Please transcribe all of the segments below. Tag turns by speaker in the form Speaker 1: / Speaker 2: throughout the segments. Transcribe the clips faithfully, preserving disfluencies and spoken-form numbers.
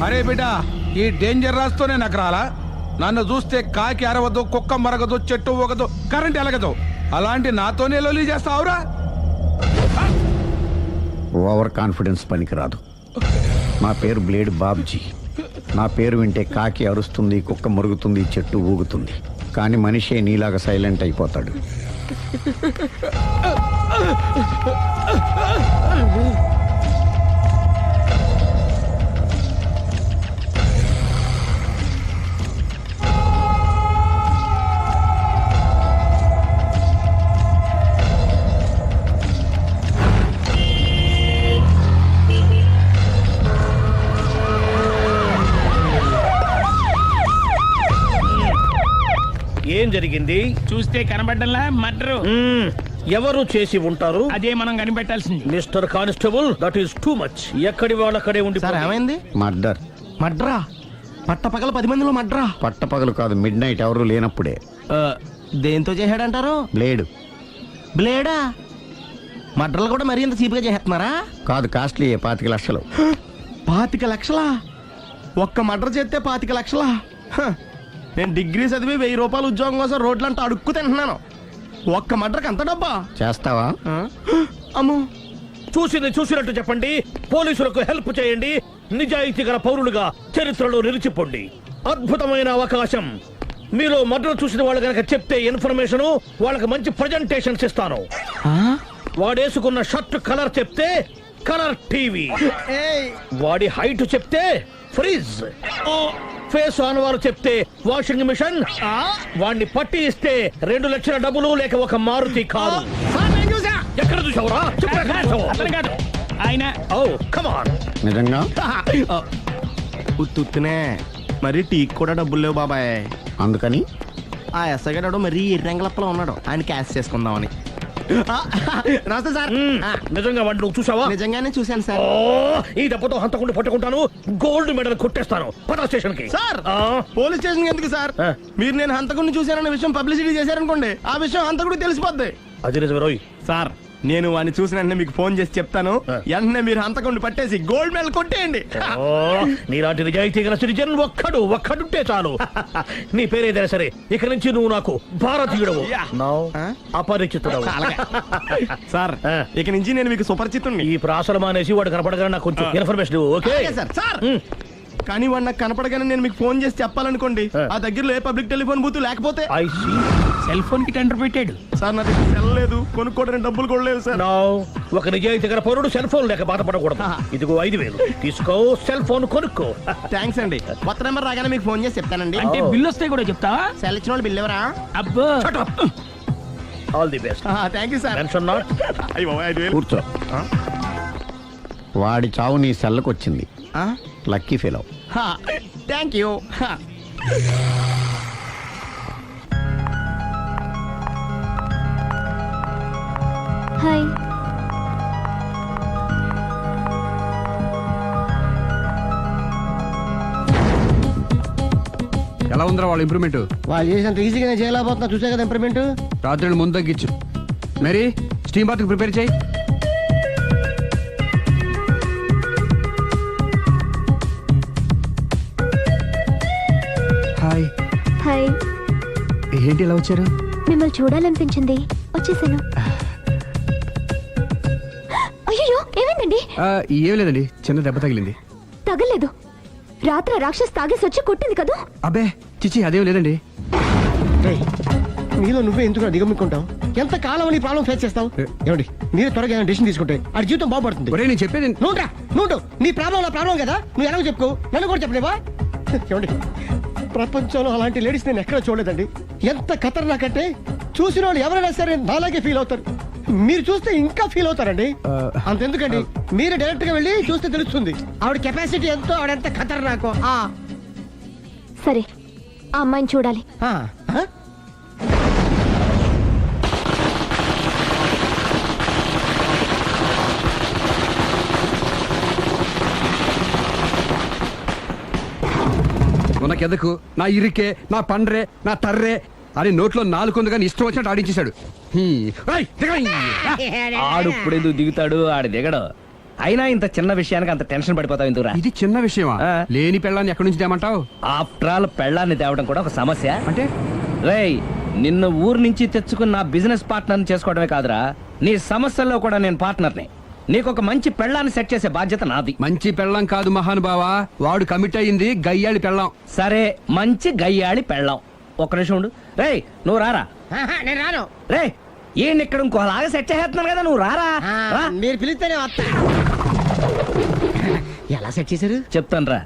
Speaker 1: అరే బిడ్డ, ఈ డేంజర్ రాస్తూనే నాకు రాలా? నన్ను చూస్తే కాకి అరవదు, కుక్క మరగదు, చెట్టు ఒకదు, కరెంట్ ఎలగదు. అలాంటి నాతోనే లొలి చేస్తావురా?
Speaker 2: ఓవర్ కాన్ఫిడెన్స్ పనికిరాదు. నా పేరు బ్లేడ్ బాబ్జీ. నా పేరు వింటే కాకి అరుస్తుంది, కుక్క మురుగుతుంది, చెట్టు ఊగుతుంది. కానీ మనిషే నీలాగా సైలెంట్ అయిపోతాడు.
Speaker 3: ఏం జరిగింది?
Speaker 4: చూస్తే కనబడ్డంలా మర్డరు.
Speaker 3: ఎవరు చేసి ఉంటారు?
Speaker 4: అదే మనం కనిపెట్టాల్సింది.
Speaker 3: Mister constable, that is too much. ఎక్కడి వాళ్ళక్కడే ఉండి.
Speaker 5: సార్ ఏమైంది?
Speaker 2: మర్డర్.
Speaker 5: మడ్రా? పట్టపగల పది మందిలో మడ్రా?
Speaker 2: పట్టపగలు కాదు, మిడ్ నైట్ ఎవరు లేనప్పుడే.
Speaker 5: దేంతో చేశాడంటారు?
Speaker 2: బ్లేడ్.
Speaker 5: బ్లేడా? మడ్రలు కూడా మరీ ఇంత చీప్గా చేస్తున్నారా?
Speaker 2: కాదు, కాస్ట్లీ. పాతిక లక్షలు.
Speaker 5: పాతిక లక్షలా? ఒక్క మడ్ర చేస్తే పాతిక లక్షలా? హ, నేను డిగ్రీ చదివి వెయ్యి రూపాయలు ఉద్యోగం కోసం రోడ్లంతా అడుక్కు తింటున్నాను. ఒక్క మడ్రకు అంత డబ్బా?
Speaker 2: చేస్తావా?
Speaker 5: అమ్మో.
Speaker 3: చూసింది చూసినట్టు చెప్పండి. పోలీసులకు హెల్ప్ చేయండి. నిజాయితీ గల పౌరులుగా చరిత్రలో నిలిచిపోండి. అద్భుతమైన అవకాశం. మీలో మర్డర్ చూసిన వాళ్ళు కనుక చెప్తే ఇన్ఫర్మేషన్, వాళ్ళకి మంచి ప్రజెంటేషన్స్ ఇస్తాను. వాడేసుకున్న షర్ట్ కలర్ చెప్తే కలర్ టీవీ, వాడి హైట్ చెప్తే ఫ్రిజ్, ఫేస్ ఆన్ వారు చెప్తే వాషింగ్ మిషన్, వాడిని పట్టి ఇస్తే రెండు లక్షల డబ్బులు లేక ఒక మారుతి కారు. ఎక్కడ చూసావురా?
Speaker 4: ఆయన
Speaker 2: నిజంగా
Speaker 5: ఉత్తునే మరి టీకి కూడా డబ్బులు లేవు బాబాయ్.
Speaker 2: అందుకని
Speaker 5: ఆ ఎస్ఐ గారు మరీ ఎర్రంగలప్పలో ఉన్నాడు, ఆయన క్యాష్ చేసుకుందామని. నమస్తే సార్.
Speaker 3: నిజంగా వాడిని నువ్వు చూసావా?
Speaker 5: నిజంగానే చూశాను సార్.
Speaker 3: ఈ దెబ్బతో హంతకుండా పట్టుకుంటాను, గోల్డ్ మెడల్ కొట్టేస్తాను. పటా స్టేషన్ కి.
Speaker 5: సార్, పోలీస్ స్టేషన్ ఎందుకు సార్? మీరు నేను హంతకుడిని చూశానన్న విషయం పబ్లిసిటీ చేశారనుకోండి, ఆ విషయం హంతకుడికి తెలిసిపోద్ది.
Speaker 3: అది నిజమే రోయ్.
Speaker 5: సార్, నేను వాడిని చూసిన వెంటనే మీకు ఫోన్ చేసి చెప్తాను. వెంటనే మీరు హంతకుడిని పట్టేసి గోల్డ్ మెడల్ కొట్టేయండి.
Speaker 3: నీలాంటి నిజాయితీ గల సిటిజన్ ఒక్కడు ఒక్కడుంటే చాలు. నీ పేరేదైనా సరే, ఇక నుంచి నువ్వు నాకు భారతీయుడవు, అపరిచితుడవు.
Speaker 5: సార్, ఇక నుంచి నేను మీకు సుపరిచితుడిని.
Speaker 3: ఈ ప్రాసలు మానేసి వాడు కనపడగానే నాకు కొంచెం ఇన్ఫర్మేషన్. Okay
Speaker 5: sir. సార్, కానీ వాడు నాకు కనపడగానే నేను మీకు ఫోన్ చేసి చెప్పాలనుకోండి, ఆ దగ్గరలో ఏ పబ్లిక్ టెలిఫోన్ బూత్ లేకపోతే.
Speaker 3: I see.
Speaker 4: సెల్ ఫోన్ కి టెండర్ పెట్టాడు
Speaker 5: సార్. నా దగ్గర సెల్ లేదు, కొనుక్కోవడానికి డబ్బులు కూడా లేవు సార్.
Speaker 3: ఒక నిజాయితీ గల పౌరుడు సెల్ ఫోన్ లేక బాధపడకూడదు. ఇదిగో ఐదు వేలు తీసుకో, సెల్ ఫోన్ కొనుక్కో.
Speaker 5: థ్యాంక్స్ అండి. కొత్త నెంబర్ రాగానే మీకు ఫోన్ చేసి చెప్తానండి.
Speaker 4: అంటే బిల్ వస్తే కూడా చెప్తావా?
Speaker 5: సెల్ ఇచ్చిన వాళ్ళు బిల్ ఎవరా?
Speaker 4: అబ్బో.
Speaker 3: All the best.
Speaker 5: Thank you sir.
Speaker 3: Tension not.
Speaker 2: కూర్చో. వాడి చావు నీ సెల్లకు వచ్చింది. Lucky fellow.
Speaker 5: Thank you.
Speaker 6: Hi.
Speaker 1: ఎలా ఉందిరా వాళ్ళ ఇంప్రూవ్మెంట్?
Speaker 5: వాళ్ళు చేసినంత ఈజీగా చేయలేకపోతున్నా, చూసే కదా ఇంప్రూవ్మెంట్.
Speaker 1: రాత్రి ముందు తగ్గించు. మరి స్టీమ్ బాత్ ప్రిపేర్ చేయి. హాయ్.
Speaker 6: హాయ్.
Speaker 1: ఏంటి ఇలా వచ్చారు?
Speaker 6: మిమ్మల్ని చూడాలనిపించింది, వచ్చేసాను. అయ్యో, ఏమైందండి?
Speaker 1: ఏం లేదండి, చిన్న దెబ్బ తగిలింది.
Speaker 6: తగలేదు. రాత్రి రాక్షస్ తాగేసి వచ్చి కొట్టింది కదా?
Speaker 1: అబ్బే చిచి, అదేం లేదండి.
Speaker 5: నీలో నువ్వే ఎందుకు దిగమ్ముకుంటావు? ఎంత కాలం నీ ప్రాబ్లం ఫేస్ చేస్తావు? ఏమండి, మీరే త్వరగా డెసిషన్ తీసుకుంటే ఆ జీవితం బాగుపడుతుంది.
Speaker 1: ఒరేయ్, నేను చెప్పేది
Speaker 5: నువ్వు నువ్వు నీ ప్రాబ్లం నా ప్రాబ్లం కదా, నువ్వు ఎలాగో చెప్పుకో, నన్ను కూడా చెప్పలేవా? ఏమండి, ప్రపంచంలో అలాంటి లేడీస్ నేను ఎక్కడ చూడలేదండి. ఎంత ఖతర్నాకంటే చూసిన వాళ్ళు ఎవరైనా సరే నాలాగే ఫీల్ అవుతారు. మీరు చూస్తే ఇంకా ఫీల్ అవుతారండి. అంతెందుకండి, మీరు డైరెక్ట్ గా వెళ్ళి చూస్తే తెలుస్తుంది ఆవిడ కెపాసిటీ ఎంతో, ఆవిడెంత ఖతర్నాకో.
Speaker 6: సరే, ఆ అమ్మాయిని చూడాలి.
Speaker 1: ఉనకెదకు, నా ఇరికే, నా పండ్రే, నా తర్రే అని నోట్లో నాలుగు కానీ ఇష్టం వచ్చినట్టు ఆడించేశాడు.
Speaker 4: ఆడు ఇప్పుడు ఎందుకు దిగుతాడు? ఆడు దిగడు.
Speaker 7: అయినా ఇంత చిన్న విషయానికి అంత టెన్షన్ పడిపోతావు ఎందుకురా?
Speaker 8: ఇది చిన్న విషయమా?
Speaker 7: ఆ.
Speaker 8: లేని పెళ్ళాన్ని ఎక్కడి నుంచి తేమంటావు?
Speaker 7: ఆఫ్టర్ ఆల్ పెళ్ళాన్ని తేవడం కూడా ఒక సమస్య.
Speaker 8: అంటే
Speaker 7: రేయ్, నిన్ను ఊరు నుంచి తెచ్చుకున్న నా బిజినెస్ పార్ట్నర్ని చేసుకోవడమే కాదురా, నీ సమస్యల్లో కూడా నేను పార్ట్నర్ని. నీకు ఒక మంచి పెళ్ళాన్ని సెట్ చేసే బాధ్యత నాది.
Speaker 8: మంచి పెళ్ళం కాదు మహానుభావా, వాడు కమిట్ అయ్యింది గయ్యాళి పెళ్ళం.
Speaker 7: సరే, మంచి గయ్యాళి పెళ్ళాం. ఒక్క నిమిషం ఉండు. రేయ్, నువ్వు రారా.
Speaker 5: ఆహా, నేను రాను.
Speaker 7: రే, ఈయన ఇక్కడ ఇంకోలాగా సెట్ చేస్తున్నాను కదా, నువ్వు రారా.
Speaker 5: ఆ,
Speaker 7: రా.
Speaker 5: మీరు పిలిస్తేనే వస్తా. ఎలా సెట్ చేశారు?
Speaker 7: చెప్తాను రా.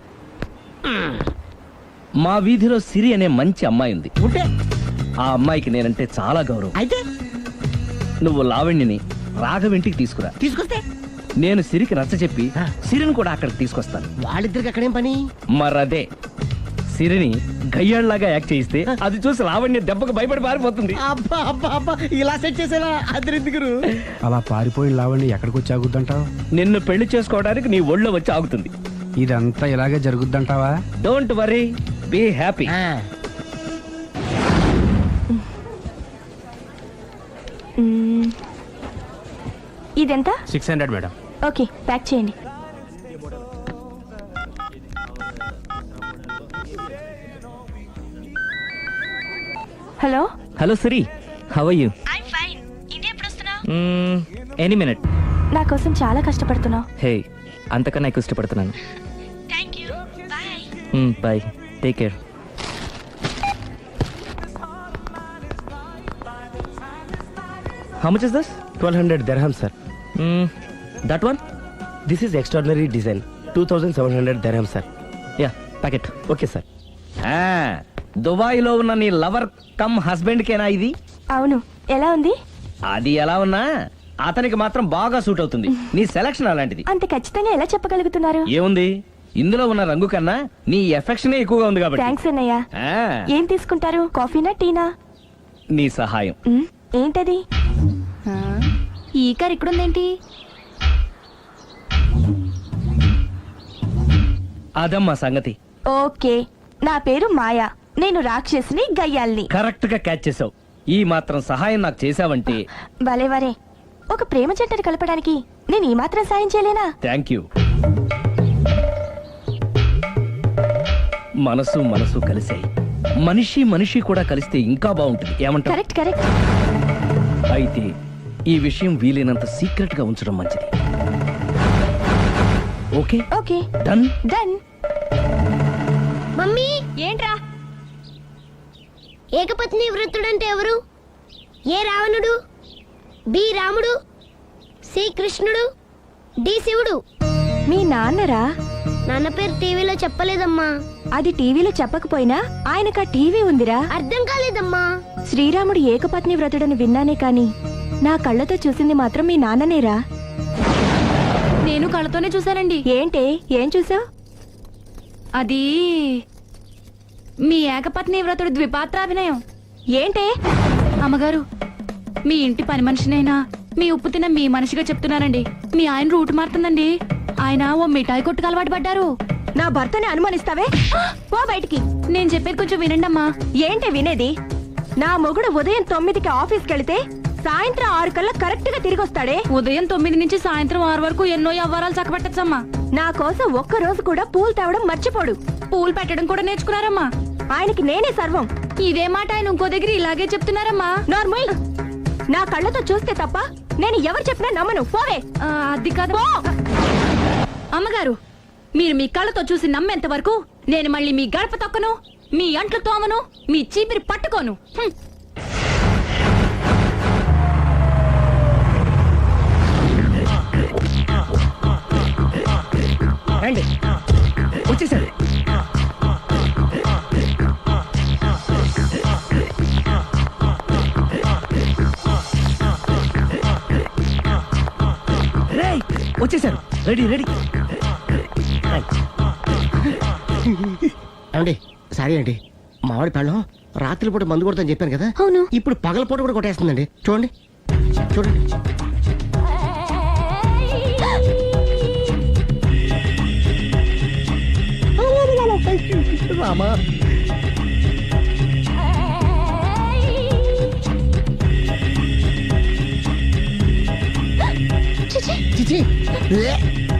Speaker 7: మా వీధిలో సిరి అనే మంచి అమ్మాయి ఉంది.
Speaker 5: ఉంటే
Speaker 7: ఆ అమ్మాయికి నేనంటే చాలా గౌరవం.
Speaker 5: అయితే
Speaker 7: నువ్వు లావణ్యని రాఘవింటికి తీసుకురా.
Speaker 5: తీసుకొస్తే
Speaker 7: నేను సిరికి నచ్చ చెప్పి సిరిని కూడా అక్కడికి తీసుకొస్తాను.
Speaker 5: వాళ్ళిద్దరికి అక్కడేం పని?
Speaker 7: మరదే, సిరిని గయ్యాళ్ళలాగా యాక్ట్ చేయిస్తే అది చూసి లావణ్య దెబ్బకు భయపడి పారిపోతుంది.
Speaker 5: అబ్బా అబ్బా అబ్బా, ఇలా సెట్ చేసేలా అద్దరెందుకు?
Speaker 8: అలా పారిపోయిన లావండి ఎక్కడికి వచ్చి ఆగుద్దంటావు?
Speaker 7: నిన్ను పెళ్లి చేసుకోవడానికి నీ ఒళ్ళో వచ్చి ఆగుతుంది.
Speaker 8: ఇదంతా ఇలాగే జరుగుద్దంటావా?
Speaker 7: Don't worry, be happy.
Speaker 6: Hmm. ఇదెంత?
Speaker 8: Six hundred madam.
Speaker 6: Okay, pack చేయండి. Hello,
Speaker 7: hello Siri, how are you?
Speaker 6: I'm fine. India ఎప్పుడు వస్తున్నావు?
Speaker 7: Any minute.
Speaker 6: నా కోసం చాలా కష్టపడుతున్నావు.
Speaker 7: హే, అంతకన్నా ఎక్కువ ఇష్టపడుతున్నాను.
Speaker 6: Thank you. Bye.
Speaker 7: Bye, take care. How much is this?
Speaker 5: Twelve hundred dirham sir.
Speaker 7: Mm, that one?
Speaker 5: This is extraordinary design. Two thousand seven hundred dirham sir.
Speaker 7: Yeah, packet.
Speaker 5: Okay sir.
Speaker 7: దుబాయ్లో ఉన్న నీ lover come husband కేనా ఇది?
Speaker 6: అవును, ఎలా ఉంది?
Speaker 7: అది ఎలా ఉన్నా అతనికి మాత్రం బాగా సూట్ అవుతుంది. నీ సెలక్షన్ అలాంటిది.
Speaker 6: అంత ఖచ్చితంగా ఎలా చెప్పగలుగుతున్నారు?
Speaker 7: ఏముంది, ఇందులో ఉన్న రంగు కన్నా నీ ఎఫెక్షనే ఎక్కువగా ఉంది కాబట్టి.
Speaker 6: థ్యాంక్స్ అన్నయ్య.
Speaker 7: ఆ,
Speaker 6: ఏం తీసుకుంటారు, కాఫీనా టీనా?
Speaker 7: నీ సహాయం.
Speaker 6: మ్మ్, ఏంటది? ఈ కార్ ఇక్కడుందేంటి?
Speaker 7: అదమ్మా సంగతి.
Speaker 6: ఓకే, నా పేరు మాయా. నేను రాక్షసిని, గయ్యాల్ని.
Speaker 7: కరెక్ట్ గా క్యాచ్ చేసావు. ఈ మాత్రం సహాయం నాకు చేసావంటే.
Speaker 6: భలే వరే, ఒక ప్రేమ జంటను కలపడానికి నేను ఈ మాత్రం సాయం చేయలేనా?
Speaker 7: Thank you. మనసు మనసు కలిసాయి, మనిషి మనిషి కూడా కలిస్తే ఇంకా బాగుంటుంది. ఏమంటావు?
Speaker 6: Correct correct.
Speaker 7: అయితే ఈ విషయం వీలైనంత సీక్రెట్ గా ఉంచడం మంచిది. Okay
Speaker 6: okay,
Speaker 7: done.
Speaker 6: Done.
Speaker 9: Mummy,
Speaker 6: ఏంట్రా?
Speaker 9: ఏకపత్ని వృత్తుడంటే ఎవరు? ఏ రావణుడు, బి రాముడు, సి కృష్ణుడు, డి శివుడు.
Speaker 6: మీ నాన్నరా?
Speaker 9: నాన్న పేరు టీవీలో చెప్పలేదమ్మా.
Speaker 6: అది టీవీలో చెప్పకపోయినా ఆయనకా టీవీ ఉందిరా.
Speaker 9: అర్థం కాలేదమ్మా.
Speaker 6: శ్రీరాముడు ఏకపత్ని వ్రతుడని విన్నానే కాని నా కళ్ళతో చూసింది మాత్రం మీ నాన్ననేరా.
Speaker 10: నేను కళ్ళతోనే చూశానండి.
Speaker 6: ఏంటే, ఏం చూసావు?
Speaker 10: అది మీ ఏకపత్ని వ్రతుడు ద్విపాత్రాభినయం.
Speaker 6: ఏంటే?
Speaker 10: అమ్మగారు, మీ ఇంటి పని మనిషినైనా మీ ఉప్పు తిన్న మీ మనిషిగా చెప్తున్నానండి. మీ ఆయన రూట్ మారుతుందండి. ఆయన ఓ మిఠాయి కొట్టుకు అలవాటు పడ్డారు.
Speaker 6: నా భర్తని అనుమానిస్తావే? పో బయటికి.
Speaker 10: నేను చెప్పేది కొంచెం వినండి అమ్మా.
Speaker 6: ఏంటి వినేది? నా మొగుడు ఉదయం తొమ్మిదికి ఆఫీస్కి వెళితే సాయంత్రం ఆరు కల్లా కరెక్ట్ గా తిరిగి వస్తాడే.
Speaker 10: ఉదయం తొమ్మిది నుంచి సాయంత్రం ఆరు వరకు ఎన్నో వ్యవహారాలు చక్కబెట్టచ్చమ్మా.
Speaker 6: నా కోసం ఒక్క రోజు కూడా పూలు తేవడం మర్చిపోడు.
Speaker 10: పూలు పెట్టడం కూడా నేర్చుకున్నారమ్మా.
Speaker 6: ఆయనకి నేనే సర్వం.
Speaker 10: ఇదే మాట ఆయన ఇంకో దగ్గర ఇలాగే చెప్తున్నారమ్మా.
Speaker 6: నార్మల్. నా కళ్ళతో చూస్తే తప్ప నేను ఎవరు చెప్పినా నమ్మను. పోవే.
Speaker 10: ఆ, అది కాదు అమ్మగారు. మీరు మీ కళ్ళతో చూసి నమ్మేంత వరకు నేను మళ్ళీ మీ గడప తొక్కను, మీ అంట్లు తోమను, మీ చీపిరి పట్టుకోను. హ్మ్.
Speaker 7: రండి, వచ్చేసారు. రేయ్, వచ్చేసారు. Ready ready.
Speaker 5: అండి సారీ అండి, మామిడి పళ్ళం రాత్రిపూట మందు కొడతాను చెప్పాను కదా.
Speaker 6: అవును.
Speaker 5: ఇప్పుడు పగలపూట కూడా కొట్టేస్తుందండి. చూడండి చూడండి. రామా, చిచి.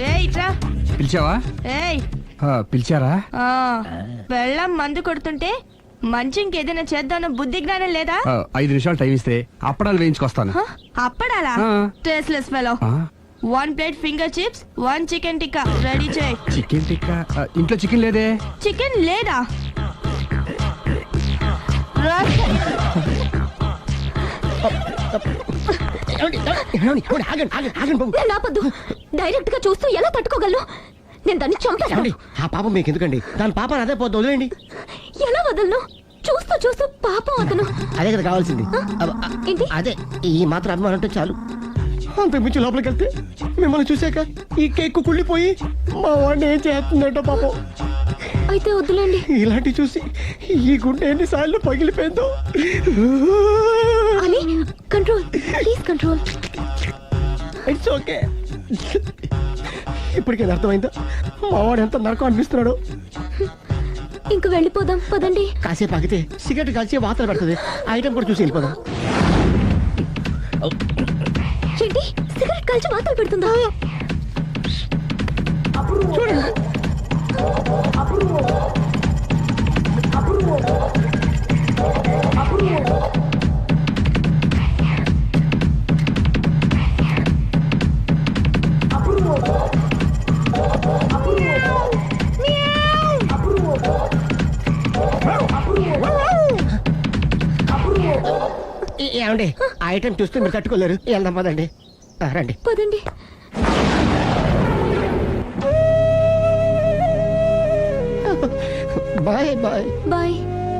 Speaker 6: ఏయ్ ఇట్రా
Speaker 8: పిలిచావా
Speaker 6: ఏయ్
Speaker 8: ఆ, పిలిచారా
Speaker 6: ఆ, బెల్లం మందు కొడుతుంటే మంచి ఇంకేదైనా చేద్దామన్న బుద్ధి జ్ఞానం లేదా
Speaker 8: ఆ, ఐదు నిమిషాలు టైం ఇస్తే అప్పడాలు వేయించుకొస్తాను
Speaker 6: హ? అప్పడాలా
Speaker 8: ఆ.
Speaker 6: టేస్ట్లెస్ ఫెలో
Speaker 8: ఆ,
Speaker 6: one plate finger chips one chicken tikka ready చేయి
Speaker 8: చికెన్ టిక్కా ఆ, ఇంట్లో చికెన్ లేదే
Speaker 6: చికెన్ లేదా రా.
Speaker 5: ఏమండి? ఏమండి? ఏమండి? ఆగండి ఆగండి ఆగండి బాబు
Speaker 6: నేను ఆపొద్దు డైరెక్ట్ గా చూస్తూ ఎలా తట్టుకోగలను నేను దాన్ని చంపేస్తాను
Speaker 5: ఏమండి? ఆ పాపం మీకు ఎందుకండి దాని పాప అదే పోతుంది వదిలేండి
Speaker 6: ఎలా వదలను చూస్తూ చూస్తూ పాపం అతను
Speaker 5: అదే కదా కావాల్సింది అబ్బ,
Speaker 6: ఏంటి?
Speaker 5: అదే ఈ మాత్రం అభిమానం అంటే చాలు అంతకు మించి లోపలికి వెళ్తే మిమ్మల్ని చూసాక ఈ కేక్ కుళ్ళిపోయి మా వాడిని ఏం చేస్తుందంటో పాపం
Speaker 6: అయితే వద్దులేండి
Speaker 5: ఇలాంటి చూసి ఈ గుండె ఎన్నిసార్లు పగిలిపోయిందో
Speaker 6: అని control please control
Speaker 5: it's okay ఇప్పటికే అర్థమైందా మా వాడు ఎంత నరకం అనిపిస్తున్నాడు
Speaker 6: ఇంక వెళ్ళిపోదాం పదండి
Speaker 5: కాసేపు ఆగితే సిగరెట్ కాల్చి వాతలు పెడుతుంది ఆ ఐటమ్ కూడా చూసి వెళ్ళిపోదాం
Speaker 6: ఏంటి సిగరెట్ కాల్చి వాతలు పెడుతుందా
Speaker 5: చూడండి ఏ- ఏమండి ఆ ఐటమ్ చూస్తే మీరు తట్టుకోలేరు వెళ్దాం పదండి ఆ, రండి
Speaker 6: పదండి
Speaker 5: బాయ్ బాయ్
Speaker 6: బాయ్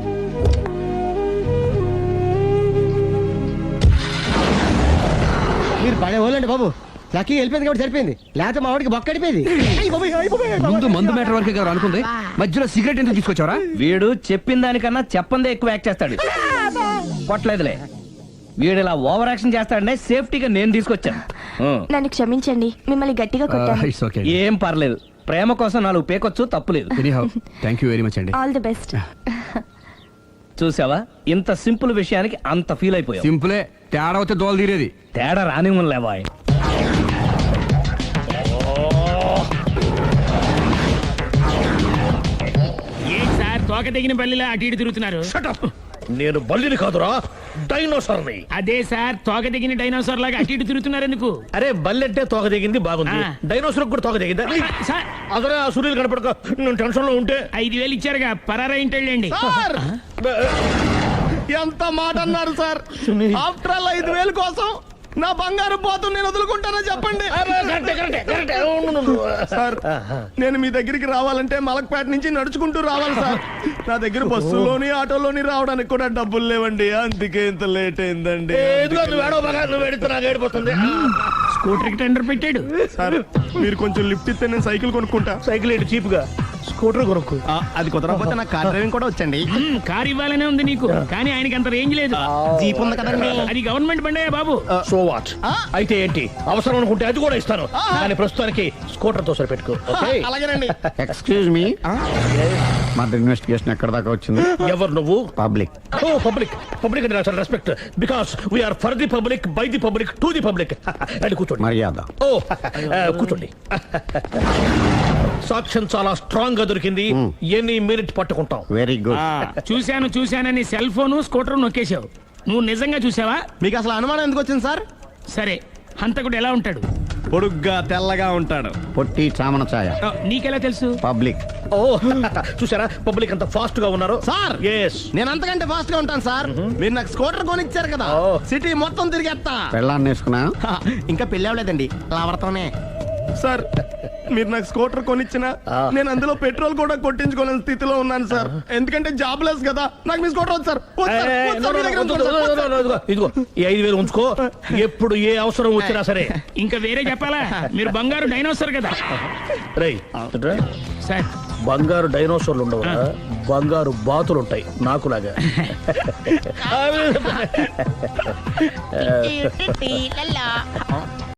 Speaker 5: మీరు పడే వాళ్ళండి బాబు లక్కీ వెళ్ళిపోయింది కాబట్టి సరిపోయింది లేకపోతే మా వాడికి బొక్క అడిపోయింది
Speaker 8: ముందు మందు మ్యాటర్ వరకే కదా అనుకుంది మధ్యలో సిగరెట్ ఎందుకు తీసుకొచ్చావరా
Speaker 7: వీడు చెప్పిన దానికన్నా చెప్పందే ఎక్కువ యాక్ట్ చేస్తాడు కొట్టలేదులే వీడు ఇలా ఓవర్ యాక్షన్ చేస్తాడనే సేఫ్టీగా నేను తీసుకొచ్చాను ఆ.
Speaker 6: నన్ను క్షమించండి మిమ్మల్ని గట్టిగా కొట్టాను
Speaker 8: ఇట్స్ ఓకే
Speaker 7: ఏం పర్లేదు ప్రేమ కోసం నాలుగు పేకొచ్చు తప్పులేదు
Speaker 8: anyhow thank you very much అండి
Speaker 6: ఆల్ ది బెస్ట్
Speaker 7: చూసావా ఇంత సింపుల్ విషయానికి అంత ఫీల్ అయిపోయావు
Speaker 8: సింపులే తేడా వస్తే దోలు తీరేది
Speaker 7: తేడా రాని లేవా
Speaker 4: ఏంటి సార్ తోక తెగిన పల్లిలా అటు ఇటు తిరుగుతున్నారు
Speaker 3: నేను బల్లిని కాదురా డైనోసార్ని.
Speaker 4: అదే సార్ తోక తెగిన డైనోసార్ లాగా అటు ఇటు తిరుగుతున్నారు ఎందుకు
Speaker 3: అరే బల్లెట్టే తోక దిగింది బాగుంది
Speaker 4: ఆ.
Speaker 3: డైనోసార్ కూడా తోక దిగిందా
Speaker 4: సార్
Speaker 3: అదరే ఆ సూర్యులు కనపడక నేను టెన్షన్ లో ఉంటే
Speaker 4: ఐదు వేలు ఇచ్చారుగా పరారా ఇంటండి
Speaker 5: సార్ ఎంత మాట అన్నారు సార్ ఆఫ్టర్ ఆల్ ఐదు వేలు కోసం నా బంగారు పోతు నేను వదులుకుంటానో చెప్పండి
Speaker 3: కరెక్టే, కరెక్టే, కరెక్టే. ఉండు, ఉండు, ఉండు.
Speaker 5: సార్ నేను మీ దగ్గరికి రావాలంటే మలక్పేట నుంచి నడుచుకుంటూ రావాలి సార్ నా దగ్గర బస్సులోని ఆటోలోని రావడానికి కూడా డబ్బులు లేవండి అందుకే ఇంత లేట్ అయిందండి
Speaker 3: ఏ, ఇదిగో నువ్వు ఏడవ బాగా నువ్వు ఏడితే నాకు ఏడిపోతుంది.
Speaker 4: స్కూటర్ కి టెండర్ పెట్టాడు
Speaker 5: సార్ మీరు కొంచెం లిఫ్ట్ ఇస్తే నేను సైకిల్ కొనుక్కుంటా
Speaker 3: సైకిల్ ఏంటి చీప్ గా స్కూటర్ కొనుక్కు.
Speaker 5: అది కుదరకపోతే నాకు కార్ డ్రైవింగ్ కూడా వచ్చండి
Speaker 4: మ్మ్, కారు ఇవ్వాలనే ఉంది నీకు కానీ ఆయనకి అంత రేంజ్ లేదు
Speaker 5: జీప్ ఉంది కదండి
Speaker 4: అది గవర్నమెంట్ బండే బాబు
Speaker 3: సో వాట్ అయితే ఏంటి అవసరం అనుకుంటే అది కూడా ఇస్తాను కానీ ప్రస్తుతానికి స్కూటర్ తో సరిపెట్టుకో ఓకే?
Speaker 5: అలాగేనండి
Speaker 2: ఎక్స్క్యూజ్ మీ మర్డర్ ఇన్వెస్టిగేషన్ ఎక్కడ దాకా వచ్చింది
Speaker 3: ఎవరు నువ్వు
Speaker 2: పబ్లిక్
Speaker 3: ఓ పబ్లిక్ పబ్లిక్ అంటే చాలా respect because we are for the public by the public to the public అని కూర్చోండి
Speaker 2: మర్యాద
Speaker 3: ఓ ఆ, కూర్చోండి సాక్ష్యం చాలా స్ట్రాంగ్ గా దొరికింది ఎన్ని మినిట్ పట్టుకుంటాం
Speaker 2: వెరీ గుడ్
Speaker 4: చూశాను చూశానని సెల్ ఫోను స్కూటర్ నొక్కేశావు నువ్వు నిజంగా చూసావా
Speaker 5: మీకు అసలు అనుమానం ఎందుకు వచ్చింది సార్
Speaker 4: సరే హంతకుడు ఎలా ఉంటాడు
Speaker 5: పొడుగ్గా తెల్లగా ఉంటాడు
Speaker 2: పొట్టి చామన ఛాయ
Speaker 4: ఆ, నీకెలా తెలుసు
Speaker 2: పబ్లిక్
Speaker 3: ఓ చూసారా పబ్లిక్ అంత ఫాస్ట్ గా ఉన్నారు
Speaker 5: సార్
Speaker 3: ఎస్
Speaker 5: నేను అంతకంటే ఫాస్ట్ గా ఉంటాను సార్ మీరు నాకు స్కూటర్ కొనిచ్చారు కదా
Speaker 3: ఓ.
Speaker 5: సిటీ మొత్తం తిరిగేస్తా
Speaker 2: పెళ్ళాన్ని వేసుకున్నా
Speaker 5: హా, ఇంకా పెళ్ళి అవ్వలేదండి లావర్తోనే సార్ మీరు నాకు స్కూటర్ కొనిచ్చిన నేను అందులో పెట్రోల్ కూడా కొట్టించుకోలేని స్థితిలో ఉన్నాను సార్ ఎందుకంటే జాబ్ లెస్ కదా నాకు మీ స్కూటర్ వద్దు సార్ వద్దు సార్, వద్దు సార్, మీ దగ్గర ఉంచుకోండి సార్, వద్దు సార్.
Speaker 3: ఇదిగో ఇదిగో ఈ ఐదు వేలు ఉంచుకో ఎప్పుడు ఏ అవసరం వచ్చినా సరే
Speaker 4: ఇంకా వేరే చెప్పాలా మీరు బంగారు డైనోసార్ కదా
Speaker 3: రై
Speaker 4: సార్
Speaker 3: బంగారు డైనోసార్లు ఉండవు బంగారు బాతులు ఉంటాయి నాకులాగా